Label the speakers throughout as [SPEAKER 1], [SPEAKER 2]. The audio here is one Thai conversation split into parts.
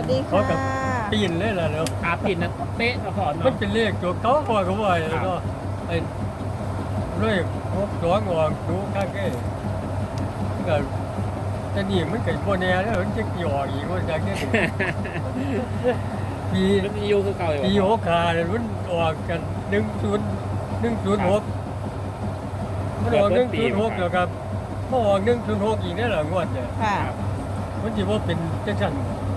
[SPEAKER 1] ดี
[SPEAKER 2] เขา
[SPEAKER 1] ค่ะ
[SPEAKER 2] กับปีนเลยล่ะเนาะ
[SPEAKER 3] ขาปิดนะเป๊ะนะพ่อ
[SPEAKER 2] มัน
[SPEAKER 3] เนาะ
[SPEAKER 2] เป็นเลขตัวเขาพอเขาว่าแล้วก็ไอ้เลข62ออกดูข้างแก่ก็แต่นี่มันเกิดบ่แน่แล้วมันจะหยอกอีกว่าจังได๋ปี
[SPEAKER 3] มันมีอยู่คือเก่าอยู่
[SPEAKER 2] ปี
[SPEAKER 3] บ่พ่อ
[SPEAKER 2] 65เนี่ยมันออกกัน106มันออก106แล้วครับพอออก106อีกได้ล่ะงวดเนี่ย
[SPEAKER 1] ค่ะ
[SPEAKER 2] มันสิบ่เป็นจังซั่น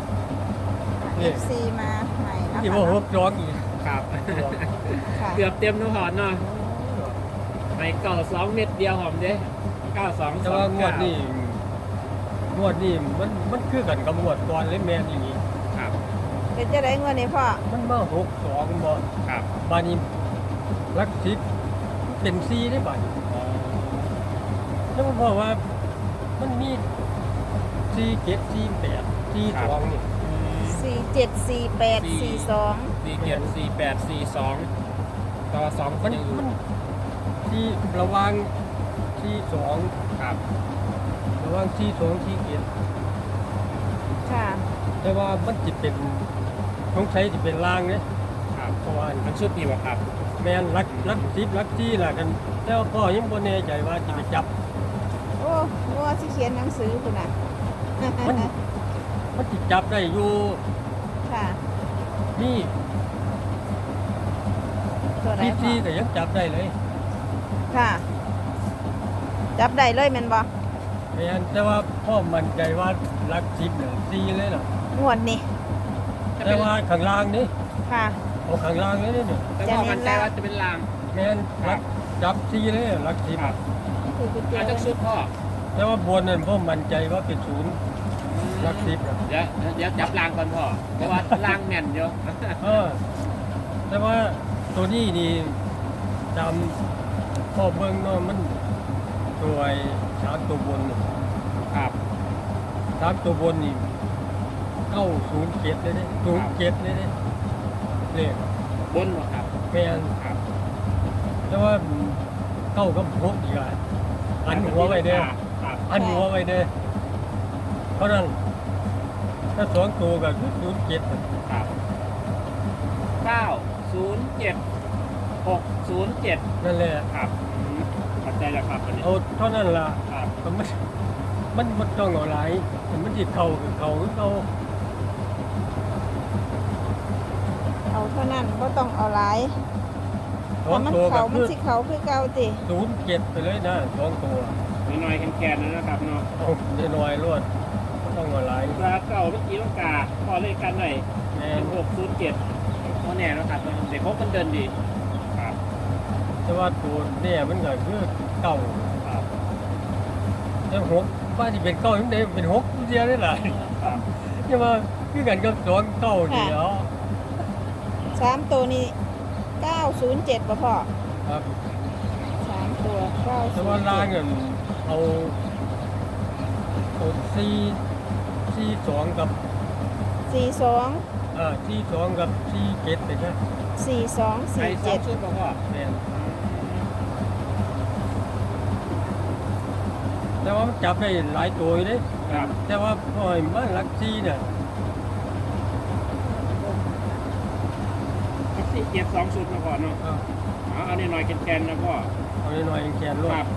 [SPEAKER 1] FC มาใหม่นะ
[SPEAKER 2] สิ
[SPEAKER 1] คะ
[SPEAKER 2] บ่62อีก
[SPEAKER 3] ครับ
[SPEAKER 1] ค่ะ
[SPEAKER 3] เกือบเต็มนะพ่อเนาะไม่เก่า2 เม็ดเดียวหอมเด้92
[SPEAKER 2] แต่ว่างวดนี้มันคือกันกับงวดก่อนเลยแม่นอย่างนี้
[SPEAKER 3] ครับ
[SPEAKER 1] เป็นจะได้เงินนี่พ่อ
[SPEAKER 2] มันมา62บ่
[SPEAKER 3] ครับ
[SPEAKER 2] บาดนี้ลักสิบเป็น4ได้บาดนี้แล้วมันบอกว่ามันมี4 7 4 8 4 2นี่
[SPEAKER 1] 474842
[SPEAKER 3] 474842ต่อ2
[SPEAKER 2] มัน
[SPEAKER 3] ยังอยู่
[SPEAKER 2] มันที่ระหวัง42
[SPEAKER 3] ครับ
[SPEAKER 2] ระหวัง42 47
[SPEAKER 1] ค่ะ
[SPEAKER 2] แต่ว่ามันสิเป็นสงสัยสิเป็นลางเด้
[SPEAKER 3] ครับ
[SPEAKER 2] เพราะว่า
[SPEAKER 3] มันชุดนี้บ่ครับ
[SPEAKER 2] แม่นลักสิบลักที่ล่ะกันแต่ว่าพ่อยังบ่แน่ใจว่าสิไปจับ
[SPEAKER 1] โอ้ว่าสิเขียนหนังสือคุณน่ะ
[SPEAKER 2] มันสิจับได้อยู่
[SPEAKER 1] ค่ะ
[SPEAKER 2] นี่
[SPEAKER 1] ตัวไหน
[SPEAKER 2] ที่
[SPEAKER 1] พ่อ
[SPEAKER 2] ก็ยังจับได้เลย
[SPEAKER 1] ค่ะ จับได้เลยแม่นบ่
[SPEAKER 2] แม่นแต่ว่าพ่อมั่นใจว่าลักสิบน่ะซีเลยน่ะ
[SPEAKER 1] งวดนี่
[SPEAKER 2] แต่ว่าข้างล่างนี่
[SPEAKER 1] ค่ะ
[SPEAKER 2] เอาข้างล่างเลยเนี่ย
[SPEAKER 3] แต่พ่อมั่นใจว่าจะเป็นลาง
[SPEAKER 2] แม่นลักจับซีเลยลักสิบ
[SPEAKER 3] ครับ
[SPEAKER 1] คือกุญแจ
[SPEAKER 3] อาจจะชุดพ่อ
[SPEAKER 2] แต่ว่าบนนั้นพ่อมั่นใจว่าเป็นศูนย์ลักสิบน่ะ
[SPEAKER 3] เดี๋ยวจับลางก่อนพ่อเพราะว่าลางแม่นอยู่
[SPEAKER 2] เออแต่ว่าตัวนี้นี่จำพ่อเบิ่งเนาะมันตัวไอ้สามตัวบนนี่
[SPEAKER 3] ครับ
[SPEAKER 2] สามตัวบนนี่907เลยเด้07เลยเด้เลข
[SPEAKER 3] บนบ่ครับ
[SPEAKER 2] แม่น
[SPEAKER 3] ครับ
[SPEAKER 2] แต่ว่า9กับ6อีกอ่ะอันหัวไว้เด้อ
[SPEAKER 3] ครับ
[SPEAKER 2] อันหัวไว้เด้อเพราะนั้นถ้าสองตัวก็07
[SPEAKER 3] ครับ907 607
[SPEAKER 2] นั่นแหละ
[SPEAKER 3] ครับเข้าใจแล้วครับอันนี้
[SPEAKER 2] เอาเท่านั้นล่ะ
[SPEAKER 3] ครับ
[SPEAKER 2] ก็มันบ่ต้องเอาหลายมันสิเข้าคือเข้าคือเอา
[SPEAKER 1] เอาเท่านั้นบ่ต้องเอาหลาย
[SPEAKER 2] สอง
[SPEAKER 1] ถ้ามัน
[SPEAKER 2] ตัวก็
[SPEAKER 1] เขามั
[SPEAKER 2] คื
[SPEAKER 1] น
[SPEAKER 2] อ
[SPEAKER 1] สิเขาคือเก่าติ
[SPEAKER 2] 07ไปเลยนะสองตัว
[SPEAKER 3] น้อยๆแกนๆนะครับเนาะ
[SPEAKER 2] เอาน้อยๆรวดบ่ต้องเอาหลาย
[SPEAKER 3] ปลาเก่าเมื่อกี้ต้องกาพอเลขกันหน่อย
[SPEAKER 2] แม่น
[SPEAKER 3] 607เพราะแน่นะครับเด็กพบมันเดินดีครับ
[SPEAKER 2] แต่ว่าตัวเนี่ยมันก็คือเก่า
[SPEAKER 3] ครับ
[SPEAKER 2] แต่หกว่าที่เป็นเก้ายังได้เป็นหกเดียวได้หลาย
[SPEAKER 3] ครับ
[SPEAKER 2] ใช่ไหมคือกันกับสองเก้าเดียว
[SPEAKER 1] สามตัวนี้907บ่พ่อ
[SPEAKER 2] ครับ
[SPEAKER 1] สามตัว
[SPEAKER 2] แต่ว่าล่าง
[SPEAKER 1] 907
[SPEAKER 2] เงินเอาสี่สองกับ
[SPEAKER 1] 42
[SPEAKER 2] สี่สองกับสี่เจ็ดไปใช่
[SPEAKER 1] 42
[SPEAKER 3] ใส่สองชุด
[SPEAKER 1] 47
[SPEAKER 3] บ่พ่อ
[SPEAKER 2] แม่นแต่ว่ามันจับได้หลายตัวอยู่เด้
[SPEAKER 3] ครับ
[SPEAKER 2] แต่ว่าพอยมันลักซี่เนี่ย
[SPEAKER 3] สี่เจ็ดสองชุดนะพ่อเนาะเอาหน่อยๆแกนๆนะพ่อ
[SPEAKER 2] เอาหน่อยๆแขนรว
[SPEAKER 3] ค
[SPEAKER 2] ด
[SPEAKER 3] รับ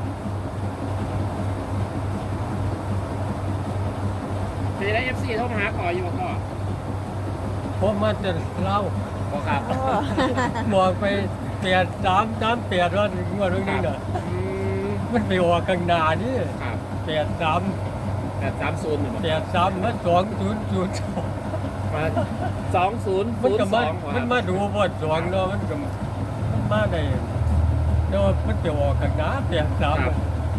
[SPEAKER 3] จะได้ FC โทรมาหาขออยู่บ่พ่อ
[SPEAKER 2] เพราะมันจะเล่า
[SPEAKER 3] บ่ครับ
[SPEAKER 1] โอ้
[SPEAKER 2] บอกไป8-3-8ว่างวดเรื่องนี้น่ะ
[SPEAKER 3] อืม
[SPEAKER 2] มันไปออกข้างหน้านี่
[SPEAKER 3] ครับ
[SPEAKER 2] 83
[SPEAKER 3] 830นี่บ่
[SPEAKER 2] 83มา2002
[SPEAKER 3] มา2002
[SPEAKER 2] มันก็มา
[SPEAKER 3] ค
[SPEAKER 2] มั
[SPEAKER 3] รั
[SPEAKER 2] น
[SPEAKER 3] บ
[SPEAKER 2] มาดูบท2เนาะมันก็มันมาได้เนาะมันไปออกข้างหน้า83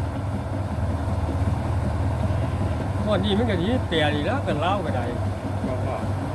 [SPEAKER 2] วันนี้มันก็ดี8อีกแล้วก็เล่าก็ได้
[SPEAKER 3] บ่พ่อ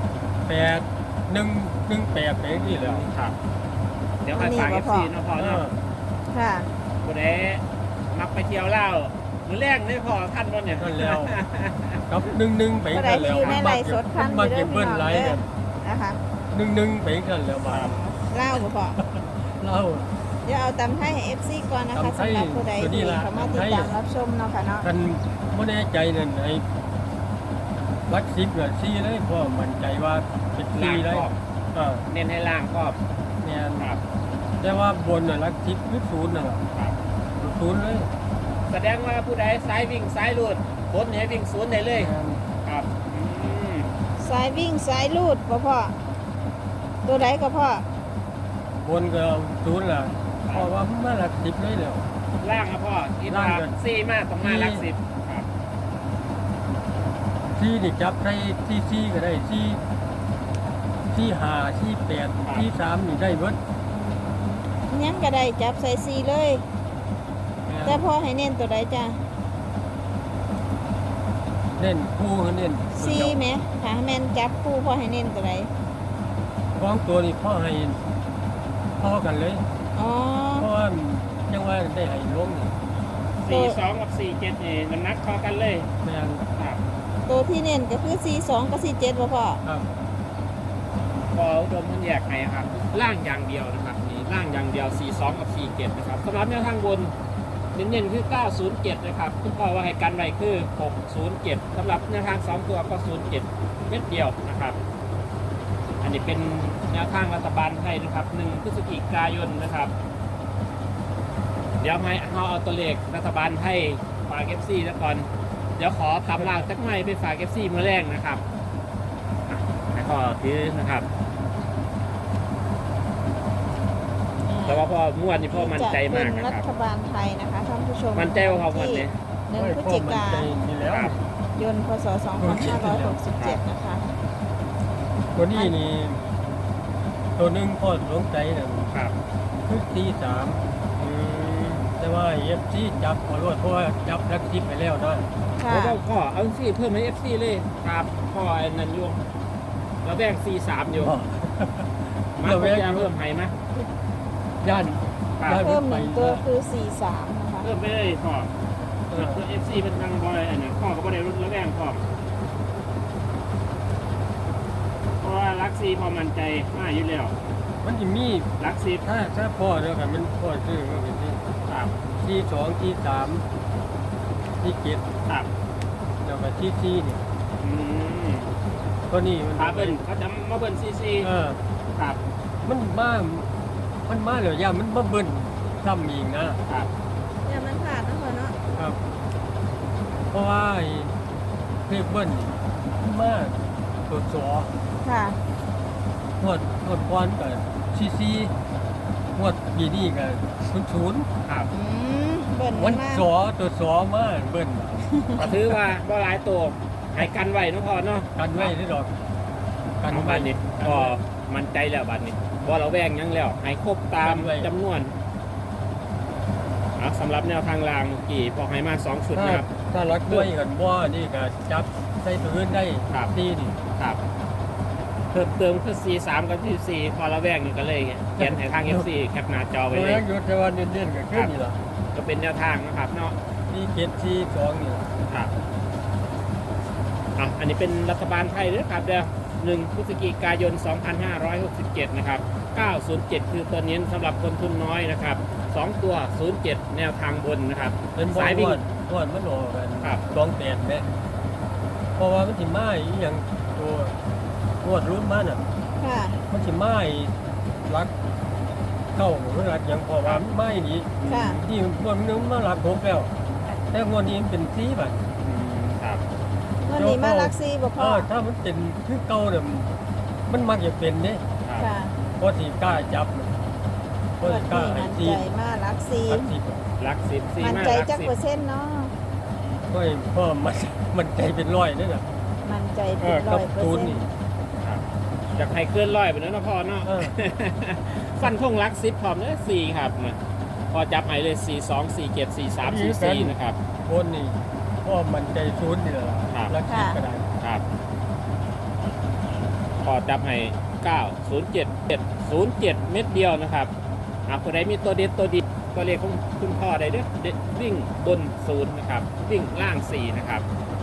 [SPEAKER 2] 8118ไปนี่แหล้ว
[SPEAKER 3] ครับ เดี๋ยวค่อยฝาก FC เนาะพ่อเนาะ
[SPEAKER 1] ค่ะ
[SPEAKER 3] ผู้ใดมักไปเที่ยวเล่าวมื้อแรกได้พอท่านบ่เนี่ย
[SPEAKER 2] นั่นแล้วกับ11ไป
[SPEAKER 1] ก็ได้
[SPEAKER 2] นั่น
[SPEAKER 1] ที่
[SPEAKER 2] แล้ว
[SPEAKER 1] อยู่ในไลฟ์สดพัน
[SPEAKER 2] มา
[SPEAKER 1] อยู่เด้
[SPEAKER 2] เก็
[SPEAKER 1] อบ พี่
[SPEAKER 2] เบิ้ล
[SPEAKER 1] น้อง
[SPEAKER 2] ไล
[SPEAKER 1] เด้
[SPEAKER 2] น์
[SPEAKER 1] อนะคะ
[SPEAKER 2] 11ไปนั่นแล้วบาด
[SPEAKER 1] เล่าบ่พ่อ
[SPEAKER 2] เล่า
[SPEAKER 1] เดี๋ยวเอาตำไทยให้ FC ก่อนนะคะ
[SPEAKER 2] ตำไทย
[SPEAKER 1] สำหรับผู้ใด
[SPEAKER 2] ตัวนี้
[SPEAKER 1] ที่
[SPEAKER 2] ล่ะ
[SPEAKER 1] เข้ามาติด
[SPEAKER 2] ตำไทย
[SPEAKER 1] ตามรับชมเนาะค่ะเนาะ
[SPEAKER 2] ท่านบ่แน่ใจนั่นไอ้รัก10เนี่ยซีเลยเพราะมั่นใจว่าเป็นซี
[SPEAKER 3] ล่าง
[SPEAKER 2] เลย
[SPEAKER 3] ครอบ เน้นให้ล่างครอบ
[SPEAKER 2] เนี่ย
[SPEAKER 3] ครับ
[SPEAKER 2] แต่ว่าบนน่ะรัก10คือ0น่ะล่ะ
[SPEAKER 3] ครับ
[SPEAKER 2] 0เลย
[SPEAKER 3] แสดงว่าผู้ใดซ้ายวิ่งซ้ายรูดบนให้วิ่งศูนย์ได้เลยครับอืม
[SPEAKER 1] สายวิ่งสายลูดบ่พ่อตัวใดก็พ่อบ
[SPEAKER 2] นก็0ล่ะเพราะว่ามันมารัก10เลยแล้ว
[SPEAKER 3] ล่างครับพ่ออี
[SPEAKER 2] ล่าง
[SPEAKER 3] ทา
[SPEAKER 2] ก็
[SPEAKER 3] ซี่มากต้องมาหลักสิบครับ
[SPEAKER 2] ซีนี่จับได้ที่ซีก็ได้ที่5ที่8ที่3นี่ได้เบิด
[SPEAKER 1] ยังก็ได้จับใส่ซีเลย แต่พ่อให้เน้นตัวใดจ้ะ
[SPEAKER 2] เน้นคู่เน้นตัว
[SPEAKER 1] ซี
[SPEAKER 2] เดียว
[SPEAKER 1] ไหมถ้าแม่นจับคู่พ่อให้เน้นตัวใด
[SPEAKER 2] ของตัวนี้พ่อให้พ่อกันเลย
[SPEAKER 1] อ๋อ
[SPEAKER 2] เพราะว่าจังว่าได้ให้ลงนี่
[SPEAKER 3] 42กับ47นี่น้ำหนักพอกันเลย
[SPEAKER 2] แม่น
[SPEAKER 3] ครับ
[SPEAKER 1] ตัวที่เน้นก็คือC2กับC7บ่พ่อ
[SPEAKER 2] ครับ
[SPEAKER 3] พออุดมมันแยกไงครับล่างอย่างเดียวนะครับนี่ล่างอย่างเดียว42กับ47นะครับสำหรับแนวทางบนเน้นๆคือ907นะครับคุณพ่อว่าให้กันไว้คือ607สำหรับแนวทาง2ตัวก็07เม็ดเดียวนะครับ อันนี้เป็นแนวทางรัฐบาลไทยนะครับ1พฤศจิกายนนะครับ เดี๋ยวให้เอาตัวเลขรัฐบาลไทยฝาก FC แล้วก่อนเดี๋ยวขอทำลางสักหน่อยไปฝาก FC เมื่อแรกนะครับอ่ะแล้วก็ถือนะครับ แต่ว่าพ่อม่วนนี่พ่อมั่นใจมาก
[SPEAKER 1] จะ
[SPEAKER 3] นะ
[SPEAKER 1] เป็น
[SPEAKER 3] ค
[SPEAKER 1] รั
[SPEAKER 3] รับ
[SPEAKER 1] ฐบาลไทยนะคะท่านผู้ชม
[SPEAKER 3] มั่นใจว่าพ่อม่วนนี่
[SPEAKER 1] หนึ่งพฤศจิกา
[SPEAKER 2] ใจนี่แล้ว
[SPEAKER 3] ครับ
[SPEAKER 1] ยนต์พศ2567นะคะ
[SPEAKER 2] ตัวนี้นี่ตัวหนึงพ่อสงใจน่ะ
[SPEAKER 3] ครับ
[SPEAKER 2] คือที่แต่ว่าเอฟซีจับขอรวดเพราะว่าจับรักทิพไปแล้วนะ
[SPEAKER 1] ค่ะ
[SPEAKER 3] แล้วก็พ่อเอาสิเพิ่มให้ FC เลยครับพ่อไอ้นันยวงแล้วแบ่ง C3 อยู่มา
[SPEAKER 2] เรา
[SPEAKER 3] เพิ่
[SPEAKER 2] แวะ
[SPEAKER 3] มเพิ่มให้ไหม
[SPEAKER 2] ย่าน
[SPEAKER 3] ครับ
[SPEAKER 2] ย่าน
[SPEAKER 1] เพิ่มห
[SPEAKER 2] ไป
[SPEAKER 1] นึ่งตัวคือ43นะคะ
[SPEAKER 3] เพิ่มไปเลยพ่อเพื่อ FC เป็นทางบอยอันนี้พ่อก็ไม่ได้รุ่นแล้วแบ่งพ่อเพราะว่ารักซีพอมั่นใจมากอยู่แล้ว
[SPEAKER 2] มันจะมี
[SPEAKER 3] รักซี
[SPEAKER 2] ถ้าพ่อเดียวกันมันพ่อซื้อก็เป็นที่
[SPEAKER 3] ครับ
[SPEAKER 2] ที่2ที่3ที่7
[SPEAKER 3] ครับ
[SPEAKER 2] แล้วก็ที่4นี่
[SPEAKER 3] อืม
[SPEAKER 2] ตัวนี้มัน
[SPEAKER 3] ขาเบิ้ลเขาจะมาเบิ้ลซีซี ครับ
[SPEAKER 2] มันมาแล้วย่ามันมาเบิ้ลซ้ำอีกนะครับ
[SPEAKER 1] เนี่ยมันผ่านนะพ่อเนาะ
[SPEAKER 2] ครับ เพราะว่าไอ้เพลเบิ้ลนี่มันมาตัวสอ
[SPEAKER 1] ค่ะ
[SPEAKER 2] หวดก้อนกับซีหวดปีนี้กับ00
[SPEAKER 3] ครับ
[SPEAKER 1] เบิ่น
[SPEAKER 2] วัน
[SPEAKER 1] มาก
[SPEAKER 2] สอตัวสอมาเบิ้ล
[SPEAKER 3] ก็ถือว่าบ่หลายตัวให้กันไว้เนาะพ่อเนาะ
[SPEAKER 2] กันไว้ที่ดอก
[SPEAKER 3] กัน
[SPEAKER 2] ไว้
[SPEAKER 3] บันนี้ก็มั่นใจแล้วบัดนี้บ่เราแวงหยังแล้วให้ครบตาม
[SPEAKER 2] กันไว้
[SPEAKER 3] จำนวนสำหรับแนวทางรางเมื่อกี้พอให้มา2ชุด
[SPEAKER 2] ถ้า
[SPEAKER 3] นะครับ
[SPEAKER 2] ถ้ารักด้วยกันบ่นี่ก็จับใส่ตัวอื่นได้
[SPEAKER 3] ครับ
[SPEAKER 2] ตีนี่
[SPEAKER 3] ครับเพิ่มเติมคือ C3 กับ C4 พอเราแวงนี่ก็เลยเขียนให้ทาง FC แคปหน้าจอไว้
[SPEAKER 2] ตัว
[SPEAKER 3] เลย
[SPEAKER 2] นั้นอยู่แต่ว่าเน้นๆก็ขึ้นนี่ล่ะ
[SPEAKER 3] ก็เป็นแนวทางนะครับเนาะ
[SPEAKER 2] ที่7ที่2นี่ล่ะ
[SPEAKER 3] ครับอันนี้เป็นรัฐบาลไทยด้วยครับเดี๋ยว1พฤศจิกายน 2567 นะครับ 907 คือตัวเน้นสำหรับคนทุนน้อยนะครับ 2 ตัว 07 แนวทางบนนะครับ
[SPEAKER 2] เป็นบ่
[SPEAKER 3] สายวิ่ง
[SPEAKER 2] วดมันออกกัน
[SPEAKER 3] ครับ
[SPEAKER 2] 28แม่เพราะว่ามันสิมาอีหยังตัวงวดรุ่นมันน่ะ
[SPEAKER 1] ค่ะ
[SPEAKER 2] มันสิมาอีรักเข้าหรือรักหยังเพราะว่ามันมาอีนี่
[SPEAKER 1] ค่ะ
[SPEAKER 2] ที่งวดนึงมารัก6แล้ว แต่งวดนี้มันเป็น4บัด
[SPEAKER 3] ครับ
[SPEAKER 1] วันนี้มาลักซีบ่พ่อ
[SPEAKER 2] ถ้ามันเป็นคือเก่าเนี่ยมันมักจะเป็นเด้
[SPEAKER 3] ครับ
[SPEAKER 1] ค่ะ
[SPEAKER 2] เพราะสิกล้าจับเพราะ
[SPEAKER 1] วั
[SPEAKER 2] สิ
[SPEAKER 1] น
[SPEAKER 2] กล้า
[SPEAKER 1] นี้
[SPEAKER 2] ให้
[SPEAKER 1] มั่น
[SPEAKER 2] ซี
[SPEAKER 1] ใจมาลักซี
[SPEAKER 2] รักสิบ
[SPEAKER 3] ลัก10 4
[SPEAKER 1] มั่น
[SPEAKER 3] มา
[SPEAKER 1] ใจ
[SPEAKER 3] ลัก
[SPEAKER 1] จักเปอร์เซ็นต์เนาะ
[SPEAKER 2] เพราะมันใจเป็นร้อยนี่น่ะ
[SPEAKER 1] มั่นใจ
[SPEAKER 2] เอ
[SPEAKER 1] เป็น
[SPEAKER 2] อ
[SPEAKER 1] ร้
[SPEAKER 2] กั
[SPEAKER 1] อบ ยเปอร์
[SPEAKER 2] ตูน
[SPEAKER 1] เซ็น
[SPEAKER 2] นี่
[SPEAKER 1] ต์
[SPEAKER 3] 10ครับอยากให้เคลื่อนร้อยไปแล้วนะพ่อเนาะ
[SPEAKER 2] เออ
[SPEAKER 3] ฟันทงลัก10พร้อมเลย4ครับนะพอจับให้เลย 42 47 43 44 นะครับ
[SPEAKER 2] คนนี่เพราะมันใจศูนย์นี่แหละ
[SPEAKER 3] ครับ
[SPEAKER 2] รักสิบก็ได้
[SPEAKER 3] ครับพอจับให้9 0 7 7 0 7 เม็ดเดียวนะครับผู้ใดมีตัวเด็ดตัวดีตัวเลขของคุณพ่อได้เด้อเด็ดวิ่งบน0นะครับ วิ่งล่าง4นะครับ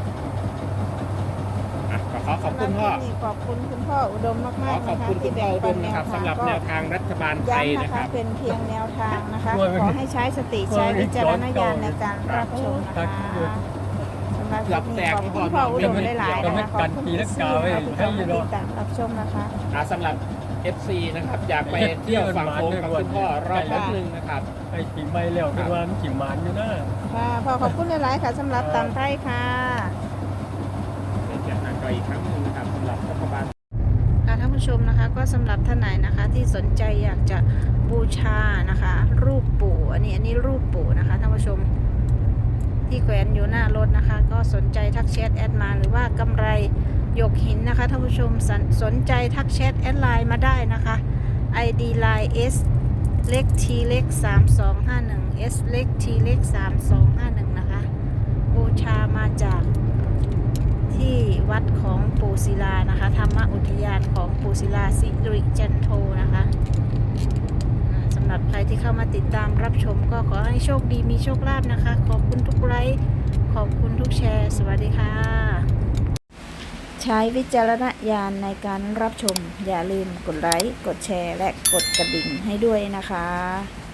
[SPEAKER 3] ก็ขอขอบคุณพ่อ
[SPEAKER 1] วันนี้ขอบคุณคุณพ่ออุดมมาก
[SPEAKER 3] ขอ
[SPEAKER 1] ๆ
[SPEAKER 3] ขอบ
[SPEAKER 1] นะคะ
[SPEAKER 3] คุณคุ
[SPEAKER 1] ที่
[SPEAKER 3] ณพ่
[SPEAKER 1] แบ่
[SPEAKER 3] อง อุด
[SPEAKER 1] ปัน
[SPEAKER 3] ม
[SPEAKER 1] แน
[SPEAKER 3] นะ
[SPEAKER 1] ว
[SPEAKER 3] ครับ
[SPEAKER 1] ทาง
[SPEAKER 3] สำหรับ
[SPEAKER 1] ก็
[SPEAKER 3] แนวทางรัฐบาลไทย
[SPEAKER 1] ย้ำนะ
[SPEAKER 3] นะค
[SPEAKER 1] คะ
[SPEAKER 3] รับ
[SPEAKER 1] เป็นเพียงแนวทางนะคะ ขอให้ใช้สติใช้วิจารณญาณในการรับชมนะคะำหรับค
[SPEAKER 3] เกื
[SPEAKER 1] ลิ
[SPEAKER 3] อบ
[SPEAKER 1] ป
[SPEAKER 3] แต
[SPEAKER 1] นี้
[SPEAKER 3] ก
[SPEAKER 1] ขอบคุณพ่ออุดมหลายๆนะคะขอบคุณที่ติดตามรับชมนะคะ
[SPEAKER 3] สำหรับ FC นะครับอยากไปเที่ยวฝั่งโค้งกับคุณพ่อรอบแป๊บนึงนะครับ
[SPEAKER 2] ไอ้ปีใหม่แล้วเป็นว่ามันขี่หมานอยู่นะ
[SPEAKER 1] ค่ะพ่อขอบคุณหลายๆค่ะสำหรับตำไทยค่ะ
[SPEAKER 3] เป็นจากนั้นก็อีกครั้งหนึ่งนะครับสำหรับรัฐบาล
[SPEAKER 1] ค่ะท่านผู้ชมนะคะก็สำหรับท่านไหนนะคะที่สนใจอยากจะบูชานะคะ รูปปู่อันนี้รูปปู่นะคะท่านผู้ชมที่แขวนอยู่หน้ารถนะคะ ก็สนใจทักแชทแอดมาหรือว่ากำไรหยกหินนะคะท่านผู้ชมสนใจทักแชทแอดไลน์มาได้นะคะ ID line S เล็ก T เล็ก3251 S เล็ก T เล็ก3251นะคะบูชามาจากที่วัดของปู่ศิลานะคะธรรมอุทยานของปู่ศิลาสิริจันโทนะคะสำหรับใครที่เข้ามาติดตามรับชมก็ขอให้โชคดีมีโชคลาภนะคะขอบคุณทุกไลค์ขอบคุณทุกแชร์สวัสดีค่ะใช้วิจารณญาณในการรับชมอย่าลืมกดไลค์กดแชร์และกดกระดิ่งให้ด้วยนะคะ